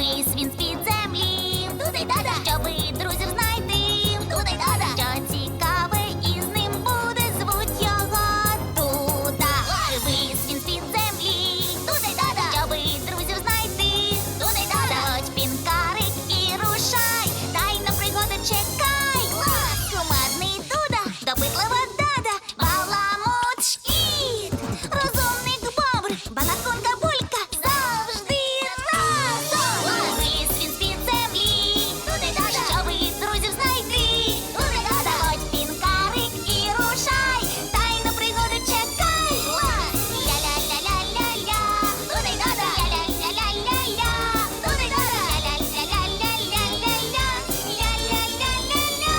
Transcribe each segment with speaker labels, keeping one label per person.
Speaker 1: Вись він з-під землі. Туди-дада. Щоби друзів знайти. Туди-дада. Що цікаве із ним буде, звуть його Дуда. Вись він з-під землі. Туди-дада. Щоби друзів знайти. Туди-дада. Заходь, пінкарик, і рушай. Тайна пригоди чекай. Кумедний Дуда, допитлива Дада, баламут Шкіт, розумник Бобр, балаконка Булька, завжди разом. Вись він з-під землі. Туди-дада. Щоби друзів знайти. Туди-дада. Заходь, пінкарик, і рушай. Тайну пригоди чекай. Ля-ля-ля-ля-ля-ля. Туди-дада. Ля-ля-ля-ля-ля-ля. Туди-дада. Ля-ля-ля-ля-ля-ля-ля. Ля-ля-ля-ля-ля.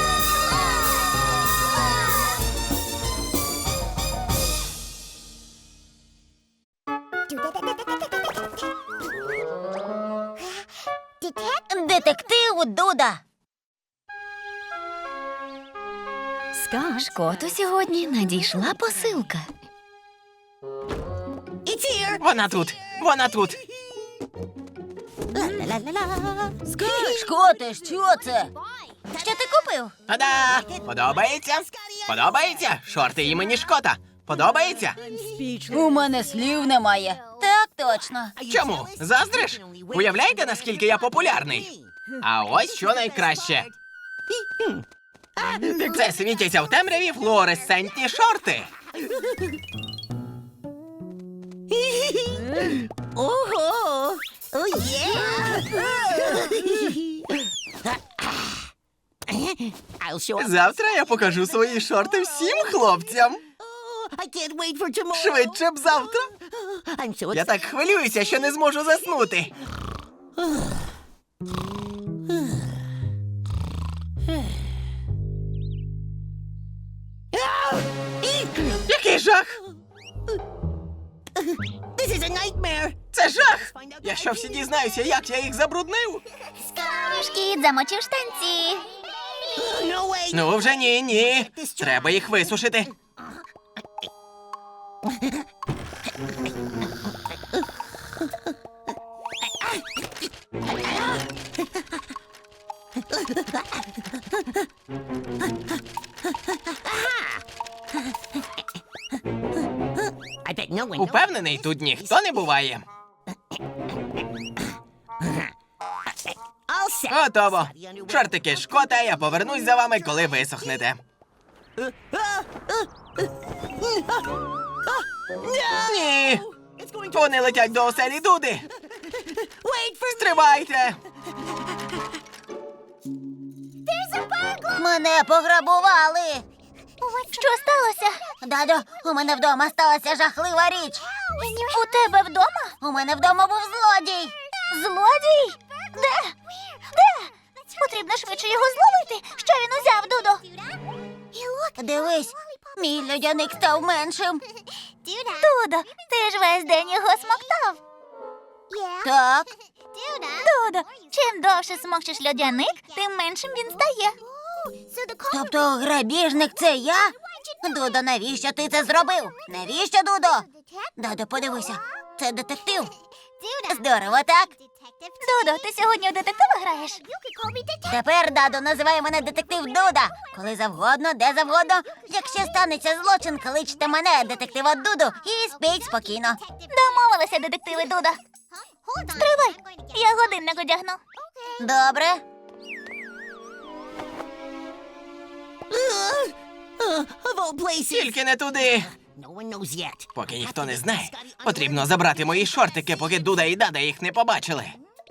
Speaker 1: Детектив Дуда. Шкоту сьогодні надійшла посилка.
Speaker 2: Вона тут! Вона тут!
Speaker 1: Шкоте, що це? Що ти купив?
Speaker 2: Та-да! Подобається? Подобається? Шорти імені Шкота. Подобається?
Speaker 1: У мене слів немає. Так точно.
Speaker 2: Чому? Заздриш? Уявляєте, наскільки я популярний? А ось що найкраще. Це світяться в темряві флуоресцентні шорти.
Speaker 3: Ого! О, є!
Speaker 2: Завтра я покажу свої шорти всім хлопцям. Швидше б завтра. Я так хвилююся, що не зможу заснути. Який жах! Це жах! Якщо всі дізнаються, як я їх забруднив.
Speaker 1: Шкіт замочив штанці.
Speaker 2: Ну, вже ні. Треба їх висушити. Упевнений, тут ніхто не буває. Готово. Шортики Шкота, я повернусь за вами, коли висохнете. Ні! Вони летять до оселі Дуди. Стривайте!
Speaker 1: Мене пограбували. Що сталося? Дадо, у мене вдома сталася жахлива річ. У тебе вдома? У мене вдома був злодій. Злодій? Де? Де? Потрібно швидше його зловити. Що він узяв, Дудо? Дивись, мій льодяник став меншим. Дудо, ти ж весь день його смоктав. Так. Дудо, чим довше смокчеш льодяник, тим меншим він стає. Тобто грабіжник – це я? Дудо, навіщо ти це зробив? Навіщо, Дудо? Дадо, подивися, це детектив. Здорово, так? Дудо, ти сьогодні у детектива граєш? Тепер, Дадо, називай мене детектив Дуда. Коли завгодно, де завгодно. Якщо станеться злочин, кличте мене, детектива Дуду, і спіть спокійно. Домовилися, детективи Дуда. Стривай, я годинник одягну. Добре.
Speaker 2: Тільки не туди. Поки ніхто не знає, потрібно забрати мої шортики, поки Дуда і Дада їх не побачили.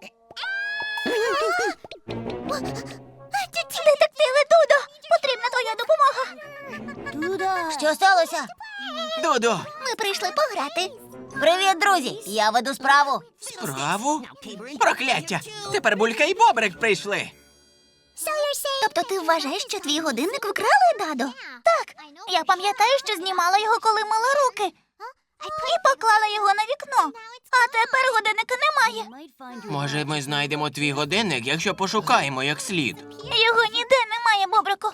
Speaker 1: Детективи Дудо, потрібна твоя допомога. Що сталося?
Speaker 2: Дудо,
Speaker 1: Ми прийшли пограти. Привіт, друзі! Я веду справу.
Speaker 2: справу? Прокляття! Тепер Булька і Бобрик прийшли.
Speaker 1: Тобто ти вважаєш, що твій годинник вкрали, Дадо? Так, я пам'ятаю, що знімала його, коли мила руки. І поклала його на вікно. А тепер годинника немає.
Speaker 2: Може, ми знайдемо твій годинник, якщо пошукаємо як слід.
Speaker 1: Його ніде немає, Бобрику.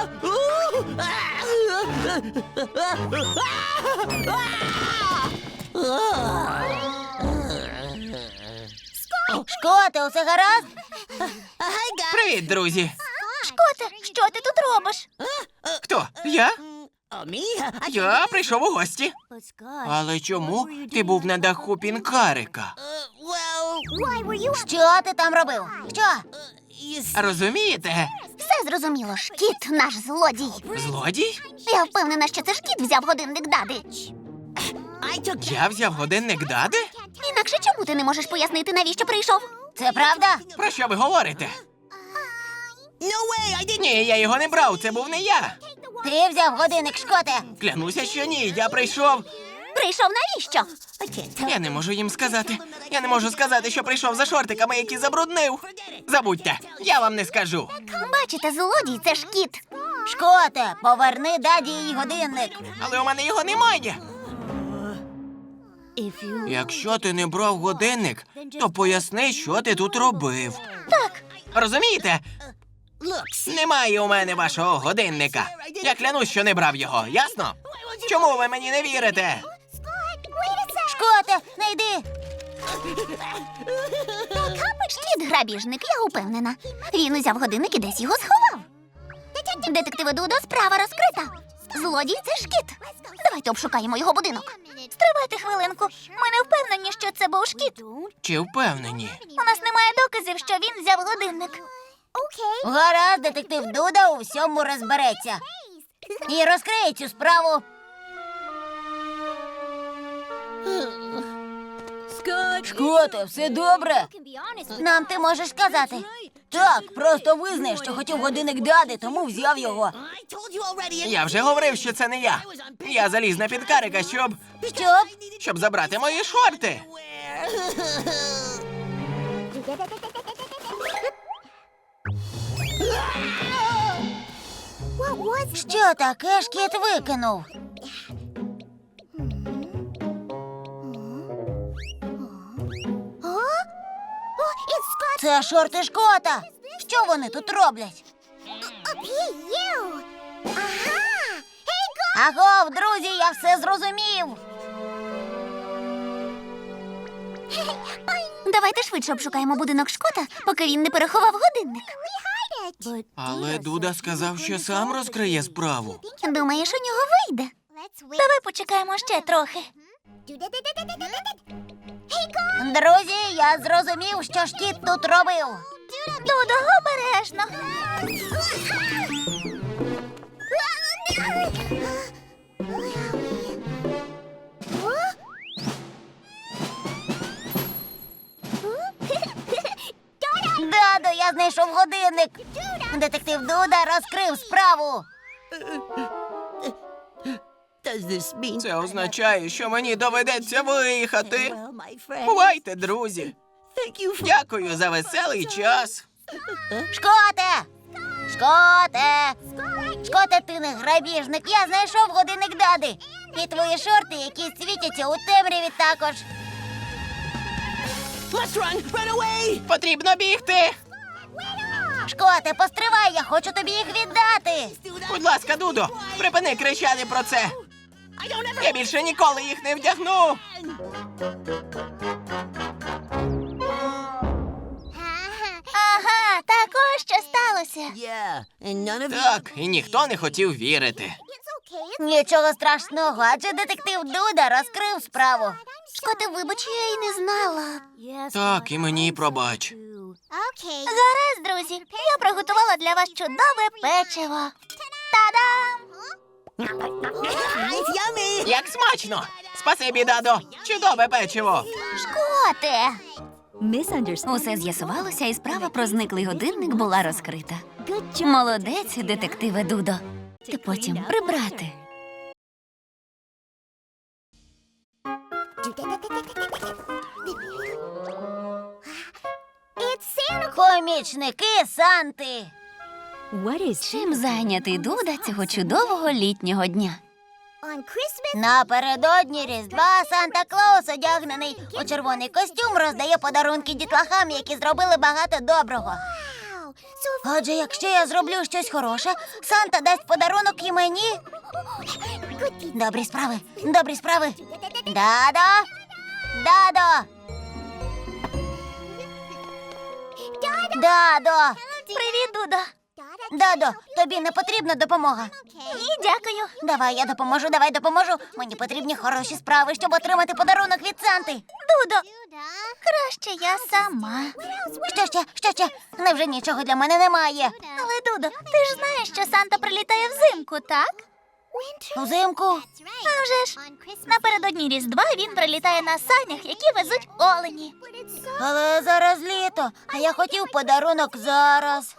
Speaker 1: Шкоте, усе гаразд?
Speaker 2: Привіт, друзі.
Speaker 1: Шкоте, що ти тут робиш?
Speaker 2: Хто? Я?
Speaker 3: Me?
Speaker 2: Я прийшов у гості. Але чому ти був на даху пінкарика?
Speaker 3: Well,
Speaker 1: Що ти там робив? Що?
Speaker 2: Розумієте?
Speaker 1: Все зрозуміло, шкіт наш злодій.
Speaker 2: Злодій?
Speaker 1: Я впевнена, що це шкіт взяв годинник Дади.
Speaker 3: I took
Speaker 2: Я взяв годинник Дади?
Speaker 1: Інакше чому ти не можеш пояснити, навіщо прийшов? Це правда?
Speaker 2: Про що ви говорите?
Speaker 3: No way, I didn't.
Speaker 2: Ні, я його не брав, це був не я.
Speaker 1: Ти взяв годинник, Шкоте.
Speaker 2: Клянуся, що ні, я прийшов.
Speaker 1: Прийшов навіщо?
Speaker 3: I can't tell.
Speaker 2: Я не можу їм сказати. Я не можу сказати, що прийшов за шортиками, які забруднив. Забудьте, я вам не скажу.
Speaker 1: Бачите, злодій це шкіт. Шкоте, поверни Даді її годинник.
Speaker 2: Але у мене його немає.
Speaker 3: If you
Speaker 2: Якщо ти не брав годинник, то поясни, що ти тут робив.
Speaker 1: Так,
Speaker 2: Розумієте?
Speaker 3: look,
Speaker 2: Немає у мене вашого годинника. Я клянусь, що не брав його, ясно? Чому ви мені не вірите?
Speaker 1: Шкоте, не йди. Шкіт грабіжник, я упевнена. Він узяв годинник і десь його сховав. Детективи Дудо, справа розкрита. Злодій це шкіт. Давайте обшукаємо його будинок. Стривайте хвилинку. Ми не впевнені, що це був шкіт.
Speaker 2: Чи впевнені?
Speaker 1: У нас немає доказів, що він взяв годинник. Гаразд, детектив Дуда у всьому розбереться. І розкриє цю справу. Шкоте, все добре? Нам ти можеш сказати. Так, просто визнай, що хотів годинник Дади, тому взяв його.
Speaker 3: I told you already.
Speaker 2: Я вже говорив, що це не я. Я заліз на підкарика, щоб забрати мої шорти.
Speaker 1: Що таке шкіт викинув? Це шорти Шкота. Що вони тут роблять? Агов, друзі, я все зрозумів. Давайте швидше обшукаємо будинок Шкота, поки він не переховав годинник.
Speaker 2: Але Дуда сказав, що сам розкриє справу.
Speaker 1: Думаєш, у нього вийде? Давай почекаємо ще трохи. Друзі, я зрозумів, що шкіт тут робив. Дудо, обережно. Дадо, я знайшов годинник. Детектив Дуда розкрив справу.
Speaker 3: Does this mean?
Speaker 2: Це означає, що мені доведеться виїхати.
Speaker 3: Well, my friend.
Speaker 2: Бувайте, друзі.
Speaker 3: Thank you for.
Speaker 2: Дякую за веселий час.
Speaker 1: Шкоте! Шкоте! Шкоте, ти не грабіжник. Я знайшов годинник Дади. І твої шорти, які світяться у темряві також.
Speaker 3: Let's run! Run away!
Speaker 2: Потрібно бігти.
Speaker 1: Шкоте, постривай, я хочу тобі їх віддати.
Speaker 2: Будь ласка, Дудо, припини кричати про це.
Speaker 3: I don't ever.
Speaker 2: Я більше ніколи їх не вдягну.
Speaker 1: Ага, так ось що сталося.
Speaker 3: Yeah, and none of you.
Speaker 2: Так, і ніхто не хотів вірити.
Speaker 1: Нічого страшного, адже детектив Дуда розкрив справу. Шкоте, вибач, я й не знала.
Speaker 2: Так, і мені пробач.
Speaker 1: Гаразд, друзі, я приготувала для вас чудове печиво. Та-дам!
Speaker 3: It's yummy!
Speaker 2: Як смачно! Спасибі, Дадо! Чудове печиво!
Speaker 1: Шкоте!
Speaker 4: Усе з'ясувалося, і справа про зниклий годинник була розкрита. Молодець, детективе Дудо. Ти потім прибрати.
Speaker 1: Помічники Санти.
Speaker 4: Чим зайнятий Дуда цього чудового літнього дня?
Speaker 1: Напередодні Різдва Санта-Клаус, одягнений у червоний костюм, роздає подарунки дітлахам, які зробили багато доброго. Отже, якщо я зроблю щось хороше, Санта дасть подарунок і мені. Добрі справи, добрі справи. Дадо! Дадо! Дадо! Привіт, Дудо. Дадо, тобі не потрібна допомога. Ні, дякую. Давай, я допоможу, давай допоможу. Мені потрібні хороші справи, щоб отримати подарунок від Санти. Дудо, краще я сама. Що ще? Невже нічого для мене немає? Але, Дудо, ти ж знаєш, що Санта прилітає взимку, так? Взимку? А вже ж. Напередодні Різдва він прилітає на санях, які везуть олені. Але зараз літо, а я хотів подарунок зараз.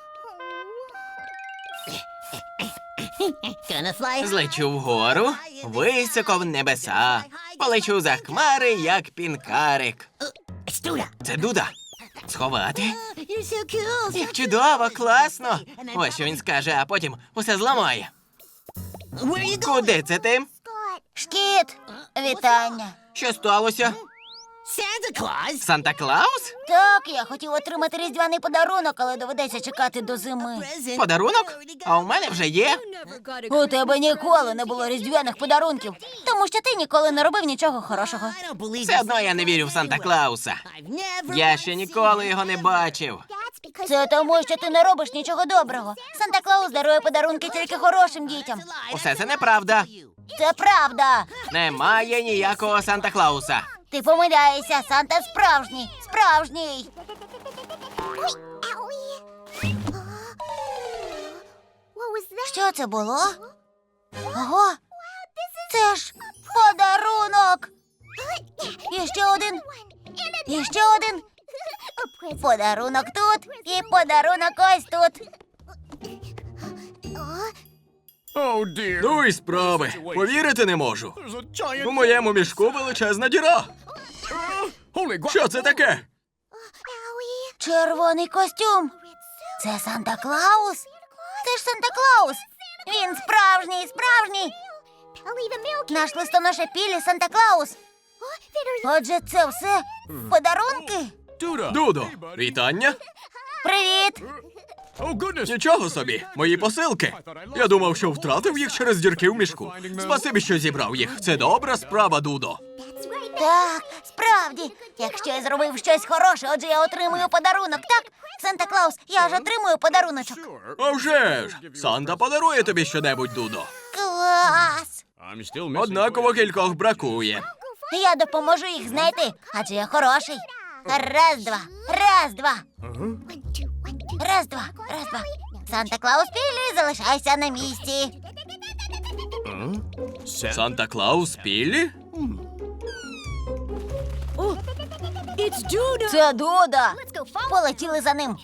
Speaker 3: Gonna fly.
Speaker 2: Злечу вгору, високо в небеса. Полечу за хмари, як пінкарик.
Speaker 3: It's Duda.
Speaker 2: Це Дуда. Сховати?
Speaker 3: You're so cool.
Speaker 2: Як чудово, класно. Ось що він скаже, а потім усе зламає.
Speaker 3: Where are you going?
Speaker 2: Куди це ти?
Speaker 1: Шкіт, вітання.
Speaker 2: Що сталося?
Speaker 3: Santa Claus?
Speaker 2: Санта-Клаус?
Speaker 1: Так, я хотів отримати різдвяний подарунок, але доведеться чекати до зими.
Speaker 3: Present.
Speaker 2: Подарунок? А у мене вже є.
Speaker 1: У тебе ніколи не було різдвяних подарунків, тому що ти ніколи не робив нічого хорошого.
Speaker 3: I don't believe
Speaker 2: Все одно я не вірю в Санта-Клауса.
Speaker 3: I've never.
Speaker 2: Я ще ніколи його не бачив.
Speaker 1: Це тому, що ти не робиш нічого доброго. Санта-Клаус дарує подарунки тільки хорошим дітям.
Speaker 2: Усе це неправда.
Speaker 1: Це правда.
Speaker 2: Немає ніякого Санта-Клауса.
Speaker 1: Ти помиляєшся, Санта справжній, справжній. Що це було? Ого, це ж подарунок. І ще один. І ще один. Подарунок тут і подарунок ось тут.
Speaker 2: Ну і справи. Повірити не можу. У моєму мішку величезна діра. Що це таке?
Speaker 1: Червоний костюм. Це Санта-Клаус? Це ж Санта-Клаус. Він справжній, справжній. Наш листоноша Пілі Санта-Клаус. Отже, це все подарунки?
Speaker 2: Дудо, вітання.
Speaker 1: Привіт.
Speaker 2: Нічого собі, мої посилки. Я думав, що втратив їх через дірки в мішку. Спасибі, що зібрав їх. Це добра справа, Дудо.
Speaker 1: Так, справді. Якщо я зробив щось хороше, отже я отримую подарунок, так? Санта-Клаус, я ж отримую подаруночок.
Speaker 2: А вже ж! Санта подарує тобі щонебудь, Дудо.
Speaker 1: Клас!
Speaker 2: Однаково кількох бракує.
Speaker 1: Я допоможу їх знайти, адже я хороший. Раз, два, раз, два. Раз, два, раз, два. Санта-Клаус Пілі, залишайся на місці.
Speaker 2: Санта-Клаус Піллі?
Speaker 1: Це Дуда. Полетіли за ним.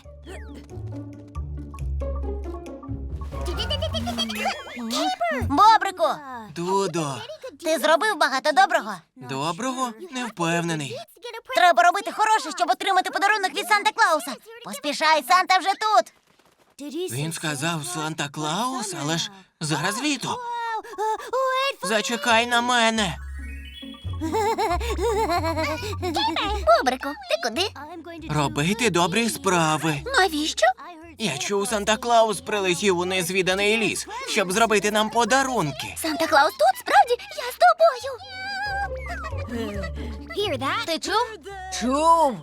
Speaker 1: Бобрику,
Speaker 2: Дудо.
Speaker 1: ти зробив багато доброго.
Speaker 2: Доброго? Не впевнений.
Speaker 1: Треба робити хороше, щоб отримати подарунок від Санта-Клауса. Поспішай, Санта вже тут.
Speaker 2: Він сказав Санта-Клаус, але ж зараз літо. Зачекай на мене.
Speaker 1: Бобрику, ти куди?
Speaker 2: Робити добрі справи.
Speaker 1: Навіщо?
Speaker 2: Я чув, Санта-Клаус прилетів у незвіданий ліс, щоб зробити нам подарунки.
Speaker 1: Санта-Клаус тут? Справді? Я з тобою. Ти чув? Чув.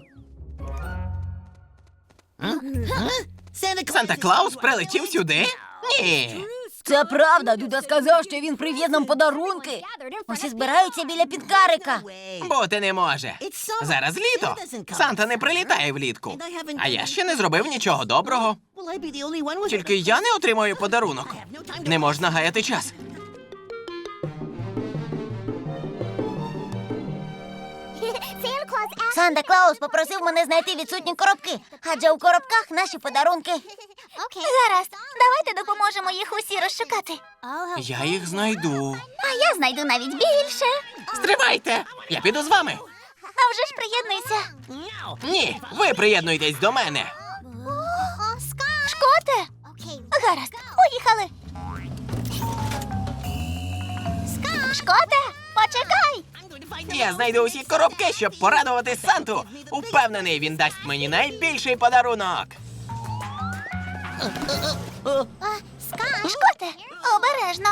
Speaker 2: Санта-Клаус прилетів сюди? Ні.
Speaker 1: Це правда. Дуда сказав, що він привіз нам подарунки. Усі збираються біля підкарика.
Speaker 2: Бути не може. Зараз літо. Санта не прилітає влітку. А я ще не зробив нічого доброго. Тільки я не отримаю подарунок. Не можна гаяти час.
Speaker 1: Санта-Клаус попросив мене знайти відсутні коробки, адже у коробках наші подарунки. Гаразд, давайте допоможемо їх усі розшукати.
Speaker 2: Я їх знайду.
Speaker 1: А я знайду навіть більше.
Speaker 2: Стривайте! Я піду з вами.
Speaker 1: А вже ж приєднуйся.
Speaker 2: Ні, ви приєднуйтесь до мене.
Speaker 1: Шкоте? Гаразд, поїхали. Шкоте, почекай.
Speaker 2: Я знайду усі коробки, щоб порадувати Санту. Упевнений, він дасть мені найбільший подарунок.
Speaker 1: Шкоте, обережно.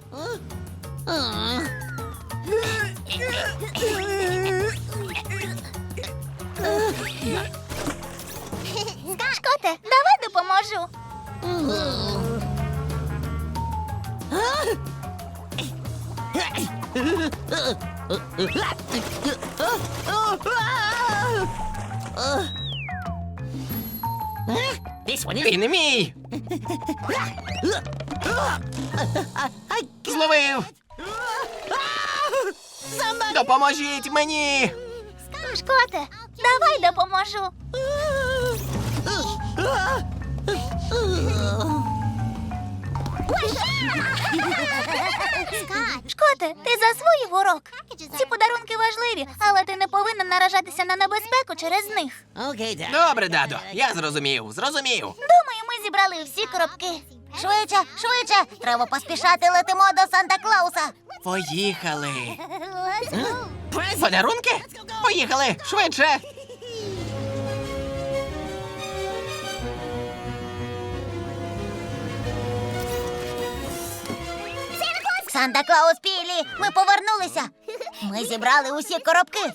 Speaker 1: Шкоте, давай допоможу.
Speaker 3: This one is.
Speaker 2: Він мій! Зловив! Допоможіть мені!
Speaker 1: Шкоте, давай допоможу. Шкоте, ти засвоїв урок. Ці подарунки важливі, але ти не повинен наражатися на небезпеку через них.
Speaker 3: Okay, Dad.
Speaker 2: Добре, дадо, я зрозумів.
Speaker 1: Думаю, ми зібрали всі коробки. Швидше, треба поспішати, летимо до Санта-Клауса.
Speaker 2: Поїхали. Подарунки? Поїхали, швидше.
Speaker 1: Санта-Клаус Пілі, ми повернулися. Ми зібрали усі коробки.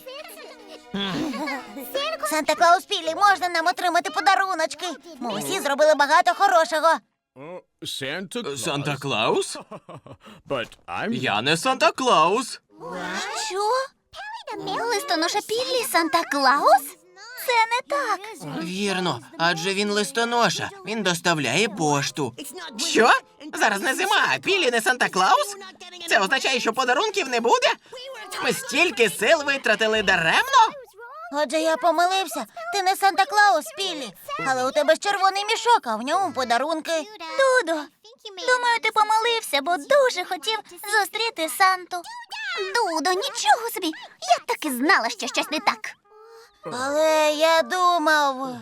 Speaker 1: Санта-Клаус Пілі, можна нам отримати подаруночки? Ми усі зробили багато хорошого.
Speaker 2: Санта-Клаус?
Speaker 5: But I'm
Speaker 2: Я не Санта-Клаус.
Speaker 1: Що? Листоноша Піллі Санта-Клаус? Це не так.
Speaker 2: Вірно, адже він листоноша. Він доставляє пошту. Що? Зараз не зима, а Пілі не Санта-Клаус? Це означає, що подарунків не буде? Ми стільки сил витратили даремно?
Speaker 1: Отже, я помилився. Ти не Санта-Клаус, Піллі. Але у тебе ж червоний мішок, а в ньому подарунки. Дудо, думаю, ти помилився, бо дуже хотів зустріти Санту. Дудо, нічого собі. Я так і знала, що щось не так. Але я думав.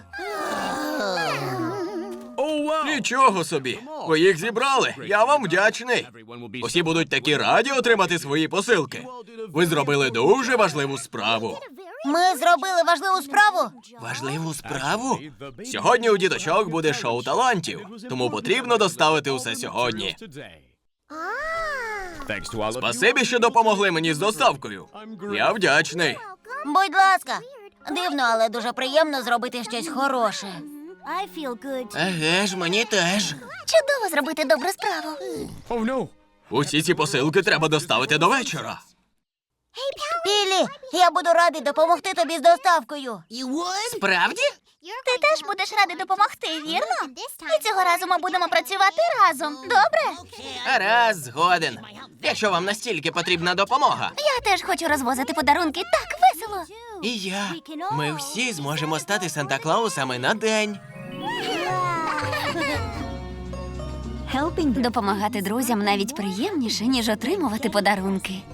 Speaker 5: oh wow.
Speaker 2: Нічого собі. Ви їх зібрали. Я вам вдячний.
Speaker 5: Everyone will be
Speaker 2: Усі будуть такі раді отримати свої посилки. Ви зробили дуже важливу справу.
Speaker 1: Ми зробили важливу справу.
Speaker 2: Важливу справу? Сьогодні у діточок буде шоу талантів, тому потрібно доставити усе сьогодні.
Speaker 5: today. Thanks to all of you.
Speaker 2: Спасибі, що допомогли мені з доставкою. Я вдячний.
Speaker 1: Будь ласка. Дивно, але дуже приємно зробити щось хороше.
Speaker 2: Еге ж, мені теж.
Speaker 1: Чудово зробити добру справу.
Speaker 5: Oh no.
Speaker 2: Усі ці посилки треба доставити до вечора.
Speaker 1: Пілі, я буду радий допомогти тобі з доставкою.
Speaker 3: You would?
Speaker 2: Справді?
Speaker 1: Ти теж будеш радий допомогти, вірно? І цього разу ми будемо працювати разом. Добре?
Speaker 2: Раз, згоден. Якщо вам настільки потрібна допомога.
Speaker 1: Я теж хочу розвозити подарунки. Так весело.
Speaker 2: І я. Ми всі зможемо стати Санта-Клаусами на день.
Speaker 4: Допомагати друзям навіть приємніше, ніж отримувати подарунки.